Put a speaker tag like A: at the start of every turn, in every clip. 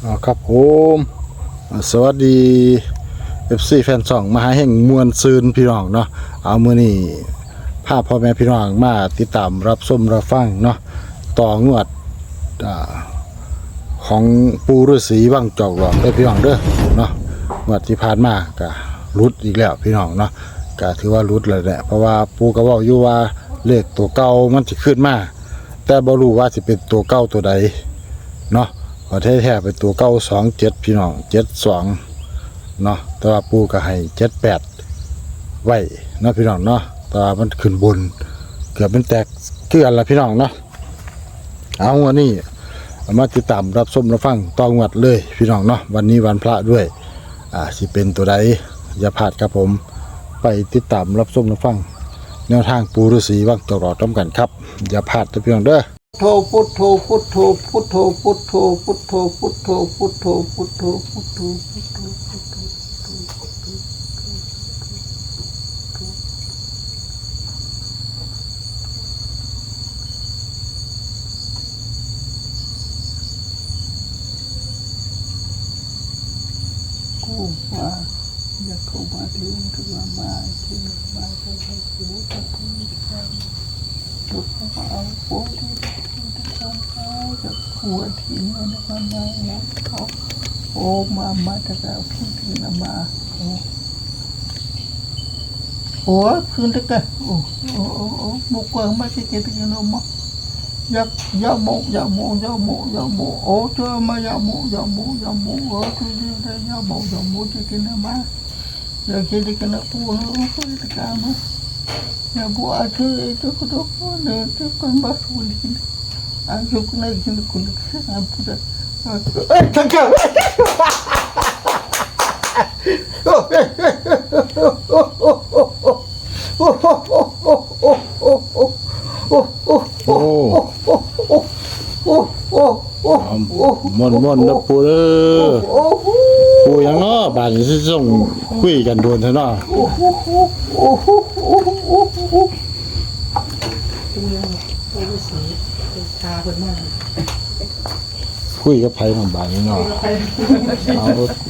A: ครับผมสวัสดี FC แฟนช่องมหาแห่งมวลซืนพี่น้องเนาะเอามื้อนี้พาพ่อแม่พี่น้องมาติดตามรับชมรับฟังเนาะต่องวดของปู่ฤาษีวังจอกหลอกได้พี่น้องเด้อเนาะงวดที่ผ่านมาก็รุดอีกแล้วพี่น้องเนาะก็ถือว่ารุดเลยแหละเพราะว่าปู่ก็เว้าอยู่ว่าเลขตัวเก่ามันสิขึ้นมาแต่บ่รู้ว่าสิเป็นตัวเก่าตัวใดเนาะแท้ๆเป็นตัวเก้า27พี่น้อง72เนาะแต่ว่าปูก็ให้78ไว้เนาะพี่น้องเนาะแต่ว่ามันขึ้นบนเกือบเป็นแตกคือกันละพี่น้องเนาะเอาวันนี้มาติดตามรับชมรับฟังตองวดเลยพี่น้องเนาะวันนี้วันพระด้วยสิเป็นตัวใดอย่าพลาดครับผมไปติดตามรับชมรับฟังแนวทางปูฤาษีวังจอกหลอกกันครับอย่าพลาดนะพี่น้องเด้อ
B: พุทโธพุทโธพุทโธพุทโธพุทโธพุทโธพุทโธพุทโธพุทโธพุทโธพุทโธกูมาอยากเข้ามาถึงถึงมาที่มาจะให้กูจะพูดกันถูกเขาเอาโป๊ที่จะหัวทีนี้นะครับมาเขาโอ้มาแต่ก็พูดถึงมาโอ้คืนตะกันโอ้บุกเกินมาที่เกิดกันแล้วมั้งยาโมโอ้ช่วยมายาโมโอ้ช่วยได้ยาโมที่กินมาอยากกินกันแล้วปูโอ้คืนตะกันมั้งอยากบัวช่วยทุกเนี่ยทุกคนบ้าสุดกินaku kena gini kulit apa dah? Tangkap!
A: Monนะปูเด้อปูยังเนาะบ้านสิส่งคุยกันโดนเถอะเนาะคุยกับไผของบ้านนี่เนาะเอา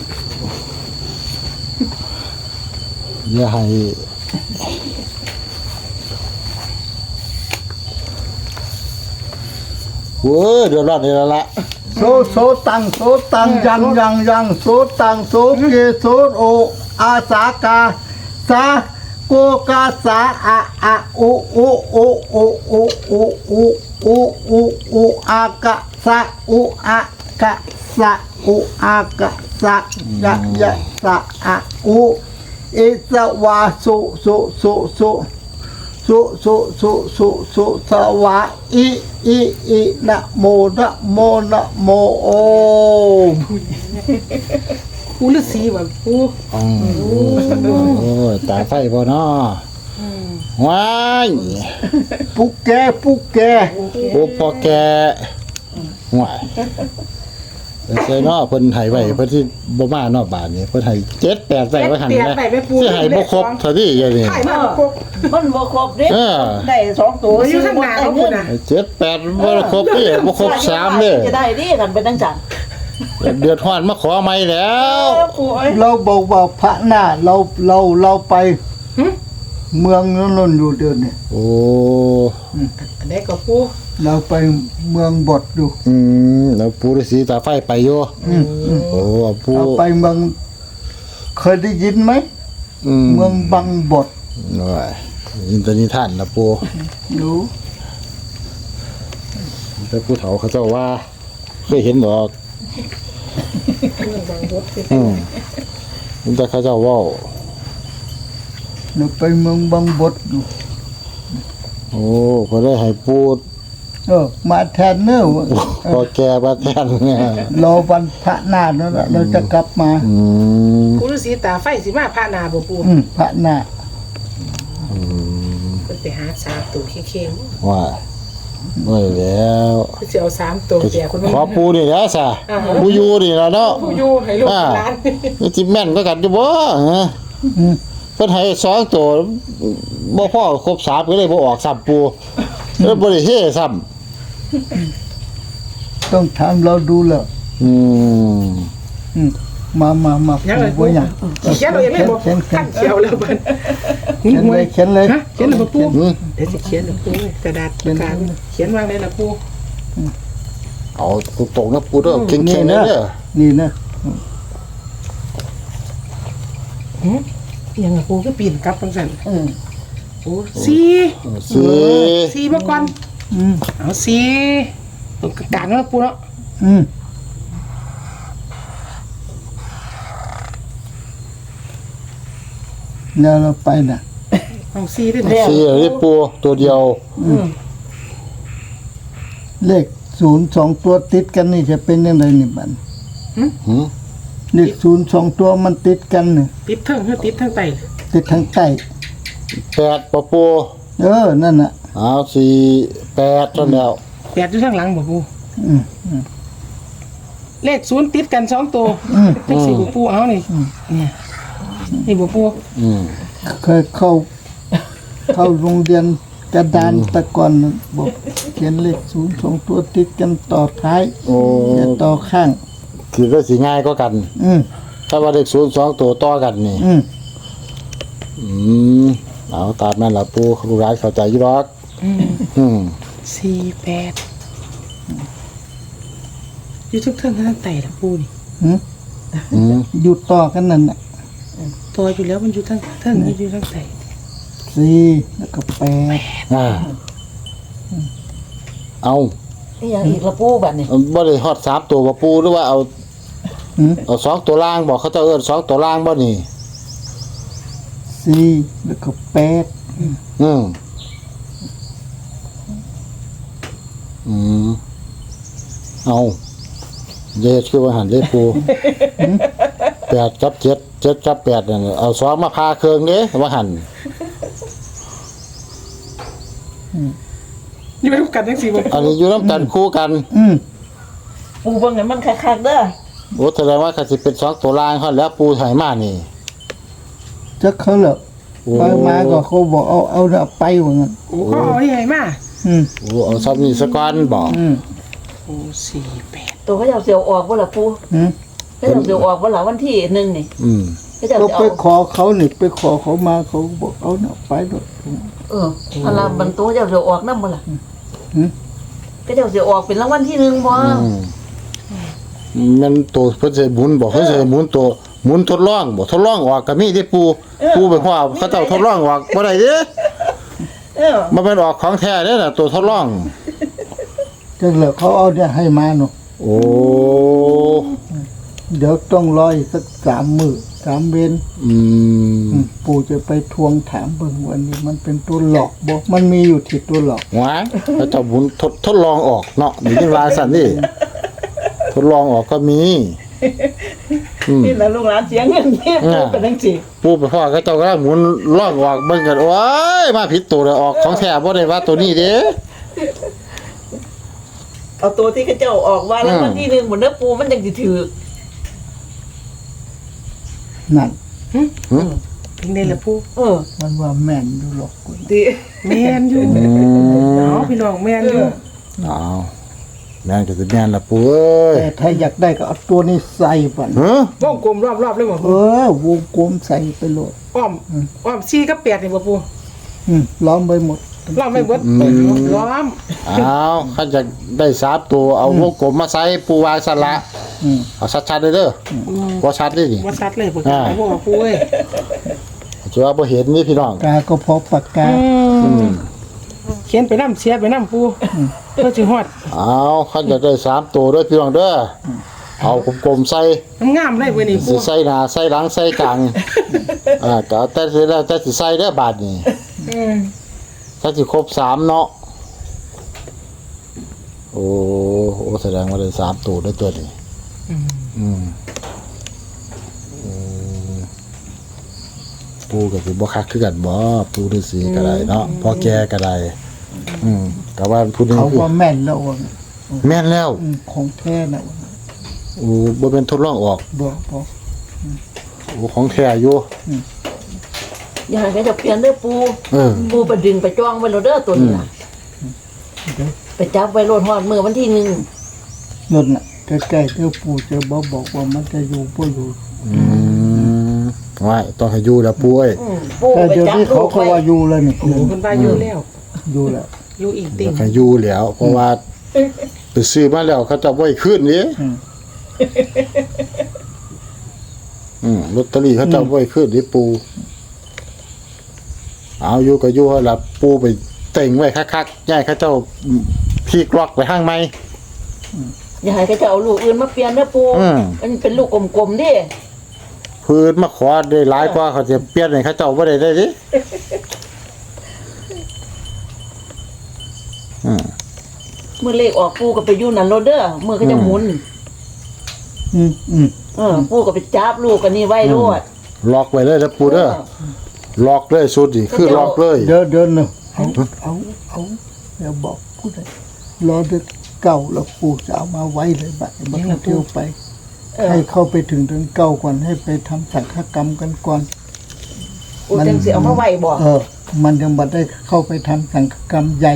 A: อย่าให้เว้ยเดือดร้อนนี่ละ
B: โซตังยังโซตังโซเกโซโออาสากาสาโกกาสาอะอุอากะสะอุอากะสะอุอากะสะยะสะอะอุอิสวาสุสวะอินะโมโอ
C: ปูฤาษีแบบปู
A: โอ้ตาไฟบ่เนาะว้าย
B: ปุกแก
A: โอ้พ่อแกว้ายใช่เนาะเพิ่นให้ไว้เพิ่นที่บ่มาเนาะบาดนี้เพิ่นให้7-8ไว้ว่าหั่นนะสิให้บ่ครบเท่าที่อย่างนี้
C: ให้มาบ่ครบ
D: มันบ่ครบเด้ได้2ตัว
C: อยู่ข้างหน้าเขาพุ่นน่ะ
A: 7-8บ่ครบนี่บ่ครบ3เด้อ
D: จะได้ดิคันเป็นจังซั่น
A: เดือดร้อนมาขอใหม่แล้ว
B: เราบอกว่าพระหน้าเราไปเมืองนนอยู่เดือนนี่
A: โอ้
C: อันนี้ก็ปู
B: เราไปเมืองบดอยู่
A: แล้วปู่ฤาษีตาไฟไปอยู่โอ้ปู่
B: เราไปเมืองเคยได้ยินไหมเมืองบังบด
A: น้อยยินตนิทานนะปู่
B: รู้
A: แต่ผู้เฒ่าเขาเจ้าว่าเคยเห็นบ่มันจะเขาเจ้าว่า
B: เราไปเมืองบังบดอยู่
A: โอ้พอได้ให้ปูด
B: มาแทนเนอะ
A: พอแกมาแทน
B: รอวันพระนานั่นแหละเราจะกลับมา
C: ปูฤาษีตาไฟสิมาพระนาบ่ปู
B: พระนา
C: ไปหา3ตัวเค็ง
A: ๆว่าไม่แล้ว
C: สิเอา3ตัวแก่คน
A: ขอปูนี่แหละซะปูอยู่นี่ล่ะเนาะ
C: ปูอยู่ให้ลูกหลาน
A: นี่สิแม่นก็กันอยู่บ่เพิ่นให้2ตัวบ่พอครบ3ก็เลยบ่ออก3ปูแล้วบ่ได้เฮ็ดซ้ำ
B: ต้องถามเราดูแล้ว
A: อืม
B: มา
C: ยังเลย
B: บ่อย่าง
C: เขียนเราเองเลยบ่
B: เขียน
C: ขั้นเขียวแล้วเบิ่น
B: เขียนเลยเขียนเลย
C: ฮะเขียนแล้วบ่ปู
A: อืม
C: เดี๋ยวสิเขียนแล้วปูกระดาษปากกาเขียนวางได้ล่ะปู
A: เอาตรงๆนะปูเด้อเข่งๆเด้อ
B: นี่นะ
C: ยังล่ะปูก็ปีนกลับจังซั่น โอ้4
A: สิ
C: 4มาก่อน
B: อืม
C: เอา4ตรงกลางแล้วปูเนาะ
B: แล้วเราไปน่ะ
C: เอา4ด้วยนะ
A: สิได้ปูตัวเดียว
B: เลข02ตัวติดกันนี่จะเป็นยังไงนี่บัด
A: หืม
B: เลข02ตัวมันติดกันนี่
C: ติดเทิงหรือติดทางใต้
B: ติดทางใต้
A: 8ปะปู
B: นั่นน่ะ
A: เอา8จนแล้ว
C: 8อยู่ทางหลังบ่ปู
B: อืม
C: เลข0ติดกัน2ตัวจังซี่บ่ปูเอานี่เนี่ยนี่บ่ปู
A: อืม
B: เคยเข้าโรงเรียนกระดานแตะก่อนน่ะบอกเขียนเลข02ตัวติดกันต่อท้าย
A: โอ้
B: อย่าต่อข้าง
A: คือก็สิง่ายก็กัน
B: อืม
A: ถ้าว่าเลข02ตัวต่อกันนี่
B: อืม
A: อืมเอาตามนั้นล่ะปูลูกหลานเข้าใจอยู่ดอกอืม
C: 48อยู่ทุกเทิงทางใต้ล่ะปูนี่
A: อืม
B: อยู่ต่อกันนั่นน่ะ
C: ตัวอยู่แล้วมันอยู่ทางเทิงอยู่ทางใต้
B: 4แล้วก็8
A: อ่าเอา
D: นี่ยังอีกละปูบัดนี่
A: บ่ได้ฮอด3ตัวบ่ปูหรือว่าเอา
B: อืม
A: เอา2ตัวล่างบอกเขาเจ้าเอิ้น2ตัวล่างบ่นี่
B: 4แล้วก็8
A: อืมอืมเอาเย็ดคือว่าหันเลขปู8กับ7 7กับ8นั่นน่ะเอา2มาพาเครื่องเด้ว่าหัน
C: อยู่ร่วมกันจังซี่บ่
A: อันนี้อยู่นำกันคู่กัน
B: อืม
D: ปูเบิ่งให้มันคักๆเด้อ
A: โอ้แสดงว่าก็สิเป็น2ตัวล่างฮอดแล้วปูไถมานี่
B: จักเขาเหรอ
A: โอ้
B: ไปมาก็เขาบอกเอาน่ะไปว่างั้น
C: โอ้เขาเอาใหญ่มา
B: อืม
A: โอ้เอาซับนี่ซะก่อนบ่
B: อืม
C: โอ้48
D: ตัวเขาจะเอาเสียวออกบ่ล่ะปู
B: อืม
D: เขาจะเอาเสียวออกบ่ล่ะวันที่1นี่
A: อืม
D: เขาจะ
B: ก็
D: เอา
B: ไปขอเขานี่ไปขอเขามาเขาบอกเอาน่ะไปด้วย
D: พลังบรรตัวจะเอาเสียวออกนำบ่ล่ะ
B: อืม
D: ก็จะเอาเสียวออกเป็นรางวัลที่1บ่
A: มันตัวเพิ่นสิหมุนบ่เพิ่นสิหมุนตัวหมุนทดลองบ่ทดลองออกก็มีเด้ปูปูไปว่าเขาเจ้าทดลองออกบ่ได้เด้ มันเป็นออกของแท้เด้น่ะตัวทดลอง
B: จังเหลือเขาเอาเนี่ยให้มาเนาะ
A: โอ้
B: เดี๋ยวต้องรออีกสัก3 มื้อ3 เว้น
A: อืม
B: ปู่จะไปทวงถามเบิ่งวันนี้มันเป็นตัวหลอกบ่มันมีอยู่ที่ตัวหลอก
A: หวาเขาเจ้าหมุนทดลองออกเนาะนี่ว่าซั่นนี่ทดลองออกก็มี
D: นี่ล่ะลูกหลานเสียเงินที่ปูเป็นจังซี่
A: ปูไปพ่อเขาเจ้ากำลังหมุนลองออกเบิ่งกันโอ้ยมาผิดตัวเลยออกของแท้บ่ได้ว่าตัวนี้เด้
D: เอาตัวที่เขาเจ้าออกว่ารางวัลที่1บ่เด้อปูมันจังสิถูก
B: นั่น
C: เป็นได้ล่ะปู
B: มันว่าแม่นอยู่หรอกกู
D: ติ
C: แม่นอยู่เนาะพี่น้องแม่นอยู่
A: อ้าวแม่นก็สิแม่นล่ะปูเอ้ย
B: แต่ถ้าอยากได้ก็เอาตัวนี้ใส่บัด
A: ฮะ
C: วงกลมรอบๆเลยบ่
B: เอ
C: ปู
B: อวงกลมใส่ไปโลด
C: อ้อม4กับ8นี่บ่ปู
B: ล้อมไปหมด
C: ล้อมไม่เบิดล้อม
A: อ้าวเขาจะได้3ตัวเอาวงกลมมาใส่ปูวางสละ
B: อืม
A: เอาชัดๆเด้อบ่ชัดเด้นี่
C: บ่ชัดเลยบ่กล้าบ่ปูเอ้ย
A: จะว่าบ่เห็นนี่พี่น้อง
B: กาก็พอปากกา
C: เขียนไปนำเสียไปนำปูเพื่อสิฮอด
A: เอาเขาจะได้3ตัวเด้อพี่น้องเด้อเอากลมๆใส่
C: งามเลยเว้ยนี่
A: สิ
C: ปู
A: ใส่หน้าใส่หลังใส่กลางก็เอาแต่สิแล้วแต่สิใส่เด้อบาดนี้ถ้าสิครบ3เนาะโอ้แสดงว่าได้3ตัวได้ตัวนี้อืมปูก็สิบ่คักคือกันบ่ปูฤาษีก็ได้เนาะพ่อแก่ก็ได้ก็ว่าผู้นี้
B: เขา
A: คือ
B: ว่าแม่นแล้วว่า
A: แม่นแล้ว
B: ของแท้น่ะว่า
A: โอ้บ่เป็นทดลองออก
B: บ่
A: โอ้ของแท้อยู่
D: อย่าให้เขาเจะเปลี่ยนเด้อปู
A: เออ
D: ปูไปดึงไปจ้องไว้แล้วเด้อตัวนี้ล่ะไปจับไว้โลดฮอดมื้อวันที่1
B: นั่นน่ะใกล้ๆเดี๋ยวปู่จะบอกว่ามันจะอยู่บ่อยู่
A: ว่าต้องให้อยู่แล้วปุ้ย
D: ปู
B: แต่
D: ไป
B: เดี๋ยว
D: จับ
B: นี้
D: ลู
B: เขา
D: ก
B: ก็
D: ไว้
B: ว่าอยู่แล้วนี่
C: โอ้คนว่าอยู่แล้ว
B: อยู่แล้ว
C: อยู่อีกติ่ง
A: ให้อยู่แล้วเพราะว่าไปซื้อมาแล้วเขาจะบ่ให้ขึ้นนี่ลอตเตอรี่เขาจะบ่ให้ขึ้นนี่ปูเอาอยู่ก็อยู่ให้ละปูไปเต็งไว้คักๆย้ายเขาเจ้าพีกล็อกไปข้างใน
D: อย่าให้เขาจะเอาลูกอื่นมาเปลี่ยนนะปูมันเป็นลูกกลมๆดิ
A: พื้นมาขอได้หลายกว่าเขาจะเปลี่ยนให้เขาเจ้าบ่ได้ดิ
D: เมื่อเลขออกปูก็ไปอยู่นั่นโลดเด้อเมื่อเขาจะหมุนปูก็ไปจับลูกกันนี่ไว้โลด
A: ล็อกไว้เลยนะปูเด้อล็อกเลยสุดนี่คือล็อกเลย
B: เดินเนาะเอาอย่าบอกผู้ใดรอเด็กเก่าแล้วปู่จะเอามาไว้เลยบัดนี้มันก็เที่ยวไป ให้เข้าไปถึงเดือนเก้าก่อนให้ไปทำสังฆกรรมกันก่อน
D: ปูจังสิเอามาไว้บ่
B: มันยังบัดได้เข้าไปทำสังฆกรรมใหญ่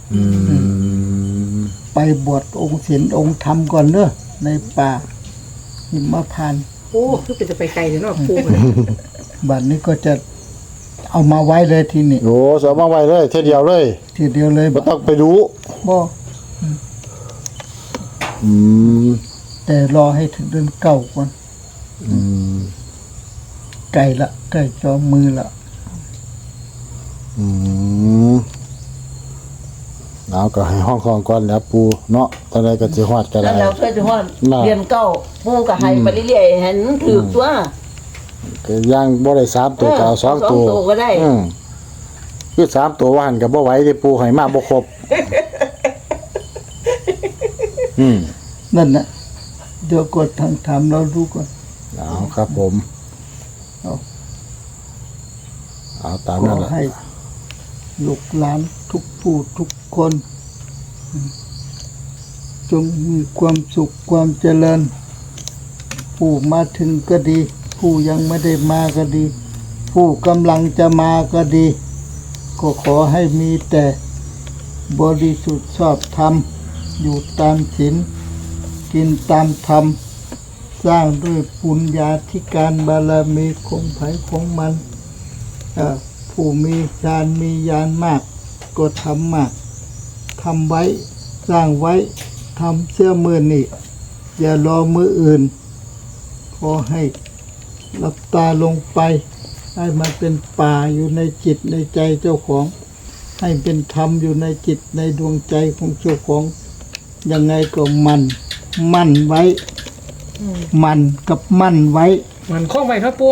B: ไปบวชองค์ศีลองค์ธรรมก่อนเนอะในป่าหิมพานต์
C: โอ้คือเป็นจะไปไกลเด้อเนาะปู
B: บัดนี้ก็จะเอามาไว้เลยทีนี้
A: โอ้สเอามาไว้เลยเท่เดียวเลย
B: ทีเดียวเลย
A: บ่ต้องไปดู
B: บ่ แต่รอให้ถึงเดือนเก้าก่อนไก่ละไก่จอมือละ
A: เอาก็ให้ห้องของก่อนแล้วปูเนาะตอนใดก็สิฮอดก็ได้
D: นั่นแล้วเพื่อจะฮอด
A: น่ะ
D: เรียนเก้าปูก็ให้ไปเรื่อยๆให้มันถูกตัว
A: ก็ย่างบ่ได้3ตัวก็เอา2ตัว
D: 2ตัวก็ได้
A: คือ3ตัวว่าหั่นก็บ่ไหวที่ปูให้มาบ่ครบ
B: นั่นน่ะเดี๋ยวกดทางถามเราดูก่อน
A: เอาครับผมเอาตาม
B: ข
A: นั้
B: อน
A: แหละ
B: ให้ลูกหลานทุกผู้ทุกคนจงมีความสุขความเจริญ ผู้มาถึงก็ดี ผู้ยังไม่ได้มาก็ดี ผู้กำลังจะมาก็ดี ก็ขอให้มีแต่บริสุทธิ์ชอบธรรมอยู่ตามศีลกินตามธรรม สร้างด้วยปุญญาธิการบารมีของไผของมันผู้มีฌานมีญาณมากก็ทำมากทำไว้สร้างไว้ทำเสื้อมือนี่อย่ารอมืออื่นขอให้หลับตาลงไปให้มันเป็นป่าอยู่ในจิตในใจเจ้าของ ให้เป็นธรรมอยู่ในจิตในดวงใจของเจ้าของยังไงก็มั่นไว้มันกับมั่นไว้
C: มันคล้องไว้ครับปู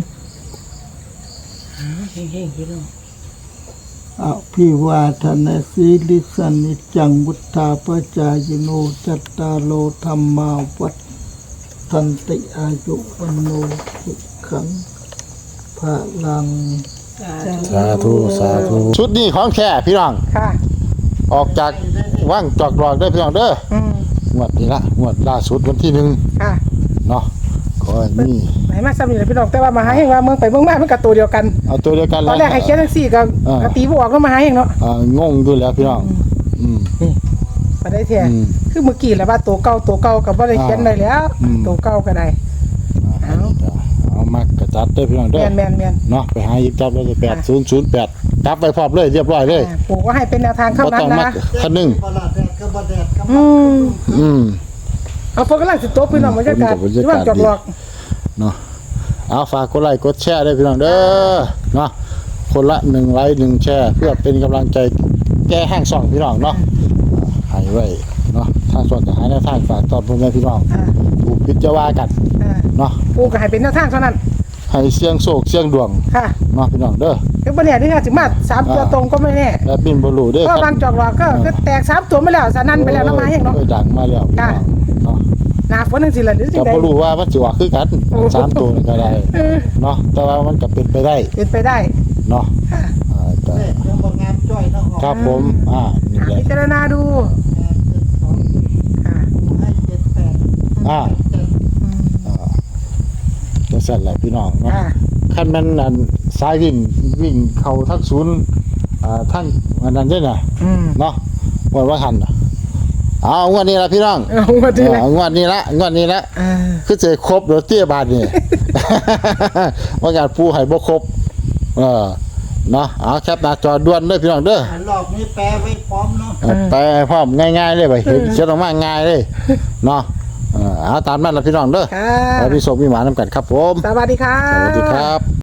D: เฮงๆพี่น้อง
B: พิวาทนาสีลิสานิจังวุฒาปจายโนจัตตาโลธรรมาวัฏทันติอายุวันโนสุขังพลัง
A: สาธุสาธุชุดนี้ของแท้พี่น้อง
C: ค่ะ
A: ออกจากว่างจอกหลอกได้พี่น้องเด้องวดนี้ละงวดล่าสุดวันที่1
C: ค่ะ
A: เนาะขอให้มี
C: ไหนมาซ้ำนี่แหละพี่น้องแต่ว่ามาหาเฮงว่าเมืองไปเมืองมามันก็ตัวเดียวกัน
A: เอาตัวเดียวกัน
C: ตอนแรกให้เขียนจังซี่ก็ตีบ่ออกก็มาหาเฮงเนาะ
A: งงอยู่แล้วพี่น้อง
C: นี่บ่ได้แท้คือเมื่อกี้แหละว่าตัวเก่าก็บ่ได้เขียนได้แล้วตัวเก่าก็ได้
A: เอามากระจัดเด้อพี่น้องเด้อ
C: แม่น
A: เนาะไปหาหยิบจับได้8008จับไปพร้อมเลยเรียบร้อยเลย
C: ปู่ก็ให้เป็นแนวทาง
A: บ่
C: คำนั้
A: ต้
C: น
A: องมา
C: นะ
A: คันนึง
C: เอาพวกกำลังสิตบพี่น้องบรรยากาศที่ว่างจอกหลอก
A: เนาะเอาฝากกดไลค์กดแชร์ด้วยพี่น้องเด้อเนาะคนละ1ไลค์1แชร์เพื่อเป็นกำลังใจแก้แห้งช่องพี่น้องเนาะให้ไว้เนาะทางส่วนจะหาแนวทางฝากตอนพ่อแม่พี่น้องถูกพิจารณากันเนาะ
C: ปู่ก็ให้เป็นแนวทางเท่านั้น
A: ให้เสี่ยงโชคเสี่ยงดวง
C: ค่ะ
A: เนาะพี่น้องเด้อ
C: คือบ่แน่ที่สิมา3ตัวตรงก็ไม่แน่
A: และบินบ่รู้เด้อ
C: เพราะวางจอกหลอกก็แตก3ตัวมาแล้วสนั่นไปแล้วเนาะมาเฮงเนาะ
A: ดังมาแล้วพี่น้องเนาะ
C: หน้าฝนจังซี่ล่ะหรือจั
A: ก็
C: งได๋
A: บ่รู้ว่ามันสิว่าคือกัน3ตัวนี่ก็ได้เนาะแต่ว่ามันก็เป็นไปได้
C: เป็นไปได้
A: เนาะ
C: ค่ะ
A: ก็
B: ยังบอกงามจ้อยเนาะ
A: ครับผมนี่แหละ
C: พิจารณาดูค่ะ
B: ให้78
A: จังซั่นแหละพี่น้องเนาะ
C: ค่ะ
A: คันมันอันสายวิ่งเข้าทั้งศูนย์ทั้งอันนั้นเด้อน่ะเนาะว่าทันน่ะเอางวดนี้ละพี่น้อง
C: เอามาทีละ
A: งวดนี้ละ
C: อ่า
A: คือจะครบเดี๋ยวเตี้ยบาทนี่ ว่าการปูให้บ่ครบเนาะเอาแคปหน้าจอด่วนเด้อพี่น้องเด้อ
B: หลอกนี้แปลไว้พร้อมเนาะ
A: แปลให้พร้อมง่ายๆเลยไปเห็นเขียนออกมาง่ายเลยเนาะเอาตามนั้นละพี่น้องเด้อ
C: ค่ะ
A: แล้วพี่สมพี่หมานำกันครับผม
C: สวัสดีค่ะ
A: สวัสดีครับ